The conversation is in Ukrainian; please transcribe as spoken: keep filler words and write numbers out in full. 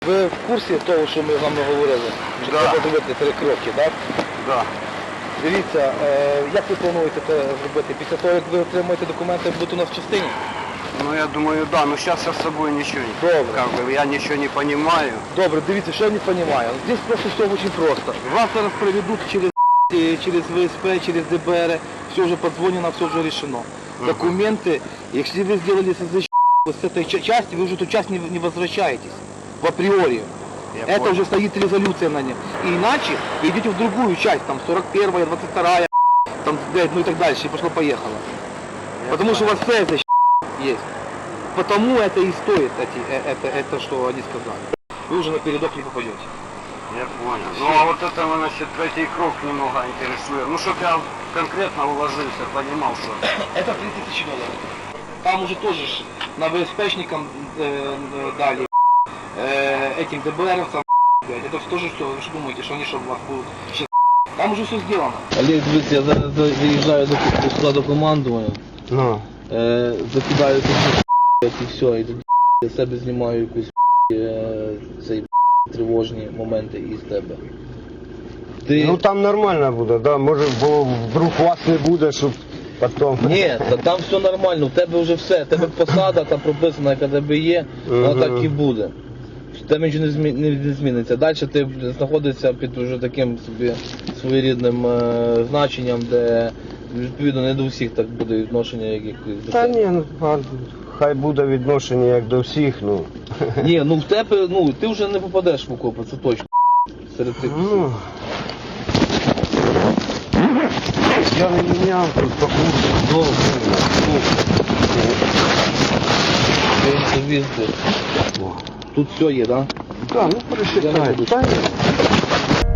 Ви в курсі того, що ми з вами говорили? Що Да. треба зробити три кроки, так? Да. Дивіться, е, як ви плануєте це зробити? Після того, як ви отримаєте документи, будете у нас в частині? Ну я думаю, да, но сейчас я с собой ничего не... Добре. Как бы я ничего не понимаю. Добре, дивіться, що я не розумію. Здесь просто все очень просто. Вас зараз проведут через э, через вэ эс пэ, через дэ бэ эр, все уже подзвонено, все уже решено. Документы, если вы сделали СЗЧ с этой ча- части, вы уже эту часть не, не возвращаетесь в априори. Я Это понял. уже стоит резолюция на ней. И иначе вы идете в другую часть, там сорок первая, двадцать вторая, там, ну и так дальше, и пошло-поехало. Я Потому что у понял. вас СЗЧ есть. Потому это и стоит, эти, э, это, это, что они сказали. Вы уже на передок не попадете. Я понял. Ну а вот это, значит, третий круг немного интересует. Ну, чтоб я конкретно уложился, понимал, что... Это три тысячи долларов. Там уже тоже ж на вэ эс пэшникам э, э, дали, э, этим дэ бэ эровцам, блядь, это тоже все, вы что думаете, что они что у вас будут сейчас... Там уже все сделано. Олег, дивіться, я зараз заїжджаю до, до складу командування, Ну. е, закидаю тут і все, і тут я себе знімаю якусь е, цей тривожні моменти із тебе. Ти... Ну там нормально буде, да? Може, бо вдруг вас не буде, щоб потім... Ні, та там все нормально, в тебе вже все, в тебе посада там прописана, яка в тебе є, вона Мгм. так і буде. В тебе нічого не, змі... не зміниться. Далі ти знаходишся під уже таким собі своєрідним е, значенням, де відповідно не до всіх так буде відношення, як якось до Та тебе. ні, ну, а, хай буде відношення як до всіх, ну. Ні, ну в тебе, ну ти вже не попадеш в окопи, це точно. Серед цих всіх. Ну, я не міняв тут по курсу. Добре, добре. Візди. Тут все є, так? Да? Так, ну Я не пересчитай. буду. Та ні.